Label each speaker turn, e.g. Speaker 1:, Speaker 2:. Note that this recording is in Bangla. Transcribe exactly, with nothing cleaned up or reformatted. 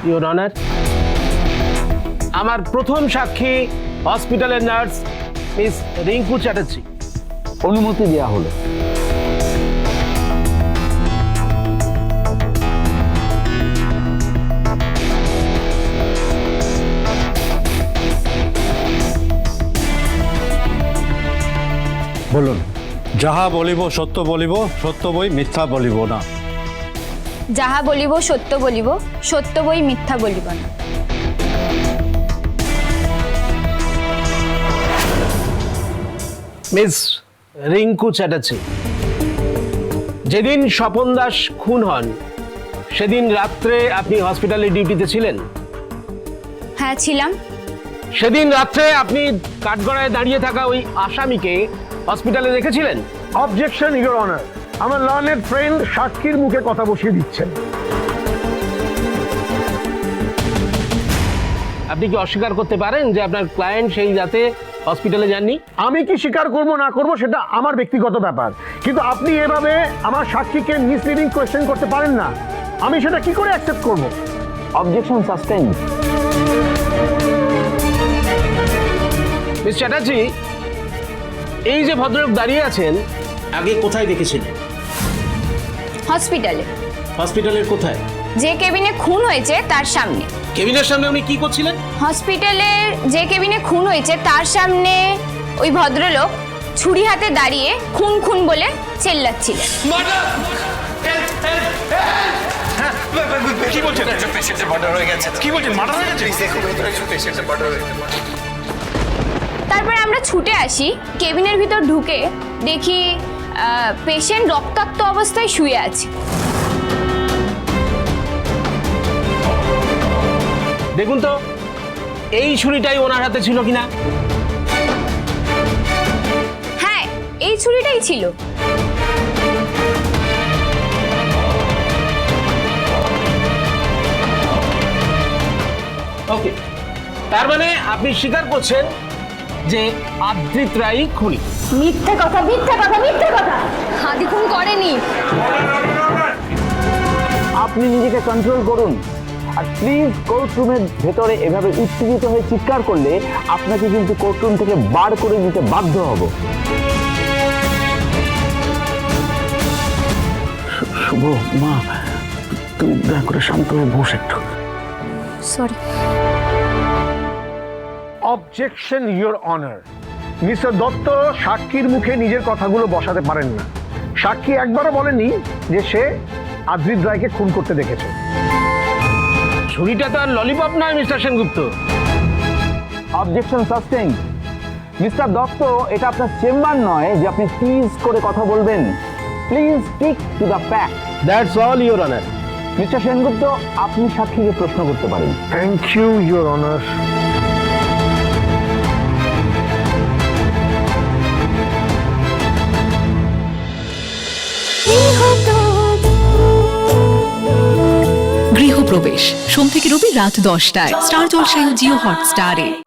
Speaker 1: ইওর অনার, আমার প্রথম সাক্ষী হসপিটালের নার্স মিস রিঙ্কু চ্যাটার্জি।
Speaker 2: অনুমতি দেওয়া হলো।
Speaker 3: বলুন। যাহা বলিব সত্য বলিব, সত্য বই মিথ্যা বলিব না।
Speaker 4: যাহা বলিব সত্য বলিব, সত্য বই মিথ্যা বলিব না।
Speaker 1: মিস রিঙ্কু চ্যাটার্জি, যেদিন স্বপন দাস খুন হন সেদিন রাত্রে আপনি হসপিটালে ডিউটিতে ছিলেন?
Speaker 4: হ্যাঁ ছিলাম।
Speaker 1: সেদিন রাত্রে আপনি কাঠগড়ায় দাঁড়িয়ে থাকা ওই আসামিকে হসপিটালে দেখেছিলেন?
Speaker 5: অবজেকশন ইওর অনার, আমার লার্নেড ফ্রেন্ড সাক্ষীর মুখে কথা বসিয়ে দিচ্ছেন।
Speaker 1: আপনি কি অস্বীকার করতে পারেন যে আপনার ক্লায়েন্ট সেই রাতে হসপিটালে যাননি?
Speaker 5: আমি কি স্বীকার করব না করব সেটা আমার ব্যক্তিগত ব্যাপার, কিন্তু আপনি এভাবে আমার সাক্ষীকে মিসলিডিং কোয়েশ্চেন করতে পারেন না। আমি সেটা কি করে অ্যাকসেপ্ট করব?
Speaker 2: Objection suspend.
Speaker 1: মিস চ্যাটার্জি, এই যে ভদ্রলোক দাঁড়িয়ে আছেন, আগে কোথায় দেখেছিলেন?
Speaker 4: হসপিটালে।
Speaker 1: হসপিটালের কোথায়?
Speaker 4: যে কেবিনে খুন হয়েছে তার সামনে।
Speaker 1: কেবিনের সামনে উনি কি করছিলেন?
Speaker 4: হসপিটালের যে কেবিনে খুন হয়েছে তার সামনে ওই ভদ্রলোক ছুরি হাতে দাঁড়িয়ে খুন খুন বলে চেল্লাচ্ছিলেন।
Speaker 6: কি বলছেন? পেশেন্টের মার্ডার হয়ে গেছে। কি বলছেন? মার্ডার হয়ে গেছে? দেখো ভেতরে একজন পেশেন্টের মার্ডার হয়ে গেছে।
Speaker 4: তারপরে আমরা ছুটে আসি, কেবিনের ভিতর ঢুকে দেখি পেশেন্ট রক্তাক্ত অবস্থায় শুয়ে আছে।
Speaker 1: দেখুন তো এই ছুরিটাই ওনার হাতে ছিল কিনা?
Speaker 4: হ্যাঁ, এই ছুরিটাই ছিল।
Speaker 1: ওকে, তার মানে আপনি স্বীকার করছেন যে আদ্রিত রায় খুনি?
Speaker 4: মিথ্যে কথা, মিথ্যে কথা, মিথ্যে কথা। হাদি খুন করেনি।
Speaker 2: আপনি নিজেকে কন্ট্রোল করুন, আর প্লিজ কোর্টরুমের ভেতরে এভাবে উত্তেজিত হয়ে চিৎকার করলে আপনাকে কিন্তু কোর্টরুম থেকে বার করে দিতে বাধ্য হব। শুভ, মা তুমি দয়া করে শান্ত হয়ে বস একটু।
Speaker 4: Sorry.
Speaker 5: Objection your honour, mister Dutta সাক্ষীর মুখে নিজের কথাগুলো বসাতে পারেন না। সাক্ষী একবারও বলেনি যে সে আদ্রিত রায়কে খুন করতে দেখেছে।
Speaker 1: ছুরিটা তো আর ললিপপ নয় mister Sengupta.
Speaker 2: Objection sustain. Mister Dutta, এটা আপনার চেম্বার নয় যে আপনি টিজ করে কথা বলবেন। Please stick to the fact.
Speaker 1: That's all your honour.
Speaker 2: Mister Sengupta, আপনি সাক্ষীকে প্রশ্ন করতে পারেন।
Speaker 5: Thank you your honour.
Speaker 7: Grihapravesh সোম থেকে রবি রাত দশটায় স্টার জলসায় ও জিও হটস্টারে।